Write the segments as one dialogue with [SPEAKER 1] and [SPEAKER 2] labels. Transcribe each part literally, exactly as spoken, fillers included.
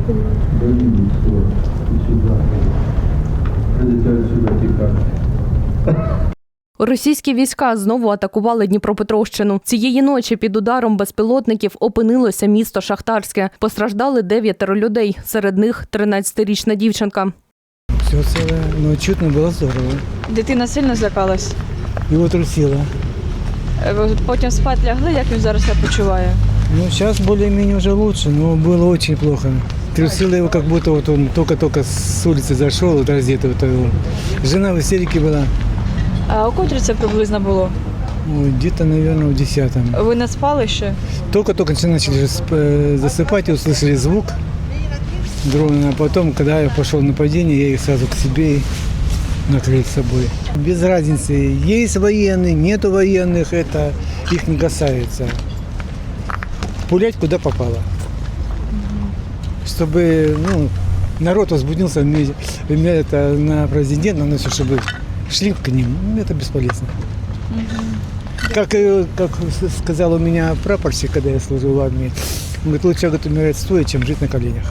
[SPEAKER 1] Російські війська знову атакували Дніпропетровщину. Цієї ночі під ударом безпілотників опинилося місто Шахтарське. Постраждали дев'ятеро людей, серед них тринадцятирічна дівчинка.
[SPEAKER 2] Все ціле, ну чутно було здорово.
[SPEAKER 3] Дитина сильно злякалась?
[SPEAKER 2] Його трусило.
[SPEAKER 3] Потім спати лягли, як він зараз себе почуває?
[SPEAKER 2] Ну, сейчас более-менее уже лучше, но было очень плохо. Трусило его, как будто вот он только-только с улицы зашел, вот раздетый. Вот его. Жена в истерике была.
[SPEAKER 3] А у котрій це приблизно було?
[SPEAKER 2] Ой, где-то, наверное, в десятом.
[SPEAKER 3] Ви не спали ще?
[SPEAKER 2] Только-только начали засыпать, и услышали звук дрона. А потом, когда я пошел на падение, я их сразу к себе и накрыл с собой. Без разницы, есть военные, нету военных, это их не касается. Пулять куда попало. Чтобы ну, народ возбудился это, на президента, но все, чтобы шли к ним, ну, это бесполезно. Как, как сказал у меня прапорщик, когда я служил в армии, он говорит, лучше говорит, умирать стоя, чем жить на коленях.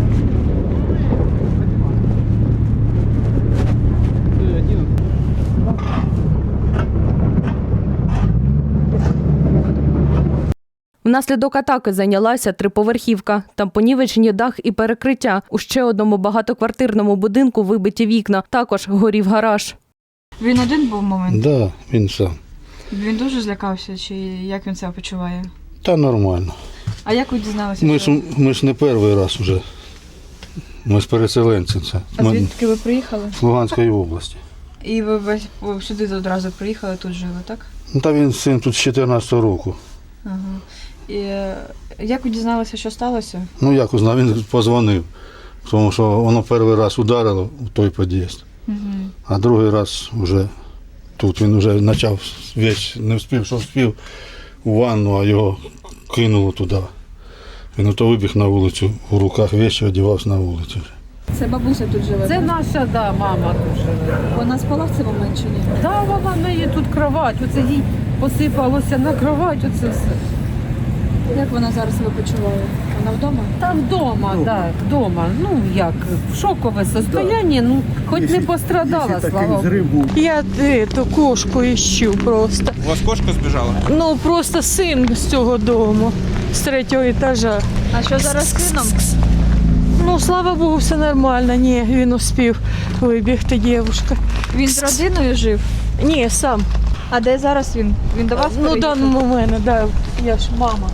[SPEAKER 1] Внаслідок атаки зайнялася триповерхівка. Там понівечені дах і перекриття. У ще одному багатоквартирному будинку вибиті вікна. Також горів гараж.
[SPEAKER 3] Він один був момент?
[SPEAKER 4] Так, да, він сам.
[SPEAKER 3] Він дуже злякався, чи як він себе почуває?
[SPEAKER 4] Та нормально.
[SPEAKER 3] А як ви дізналися?
[SPEAKER 4] Ми
[SPEAKER 3] що...
[SPEAKER 4] ж, ми ж не перший раз вже. Ми з переселенців. Це.
[SPEAKER 3] А
[SPEAKER 4] Ми
[SPEAKER 3] звідки ви приїхали?
[SPEAKER 4] з Луганської області.
[SPEAKER 3] І ви весь сюди одразу приїхали, тут жили, так?
[SPEAKER 4] Ну, та він син тут з чотирнадцятого року.
[SPEAKER 3] Ага. І як ви дізналися, що сталося?
[SPEAKER 4] Ну як узнав, він позвонив, тому що воно перший раз ударило у той під'їзд,
[SPEAKER 3] Угу.
[SPEAKER 4] а другий раз вже тут він вже почав весь, не встиг, що встиг у ванну, а його кинуло туди. Він ото вибіг на вулицю, у руках вещі одягався на вулицю.
[SPEAKER 3] Це бабуся тут живе?
[SPEAKER 5] Це наша, да, мама тут живе.
[SPEAKER 3] Вона спала в цей момент чи ні?
[SPEAKER 5] Да, вона в неї тут кровать, оце їй посипалося на кровать, оце все.
[SPEAKER 3] Як вона зараз себе почуває? Вона вдома?
[SPEAKER 5] Та вдома, так, вдома. Ну як, в шокове состояние, ну хоч не пострадала, слава Богу.
[SPEAKER 6] Я эту кошку ищу просто.
[SPEAKER 7] У вас кошка збіжала?
[SPEAKER 6] Ну просто син з цього дому, з третього етажа.
[SPEAKER 3] А що зараз з сином?
[SPEAKER 6] Ну, слава Богу, все нормально. Ні, він успів вибігти, дівчинка.
[SPEAKER 3] Він з родиною жив?
[SPEAKER 6] Ні, сам.
[SPEAKER 3] А де зараз він? Він до вас
[SPEAKER 6] Ну,
[SPEAKER 3] переїхав?
[SPEAKER 6] даному у мене, да, я ж мама.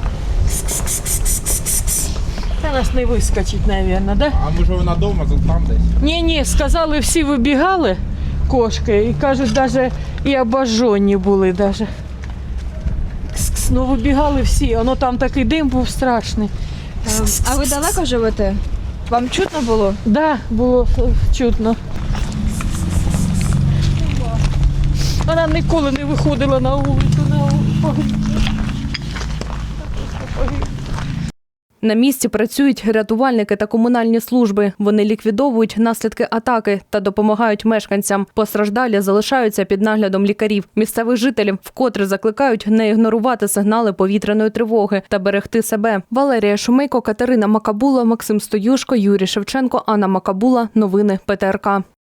[SPEAKER 6] Та нас не вискочить, мабуть, да?
[SPEAKER 7] А може вона вдома, там десь?
[SPEAKER 6] Ні, ні, сказали, всі вибігали, кошки, і кажуть, навіть і обожжені були даже. Кс-кс, ну вибігали всі, воно там такий дим був страшний.
[SPEAKER 3] Ем, А ви далеко живете? Вам чутно було?
[SPEAKER 6] Так, да, було чутно. Вона ніколи не виходила на вулицю. На вулицю.
[SPEAKER 1] На місці працюють рятувальники та комунальні служби. Вони ліквідовують наслідки атаки та допомагають мешканцям. Постраждалі залишаються під наглядом лікарів. Місцевих жителів вкотре закликають не ігнорувати сигнали повітряної тривоги та берегти себе. Валерія Шумейко, Катерина Макабула, Максим Стоюшко, Юрій Шевченко, Анна Макабула. Новини Пе Те Ер Ка.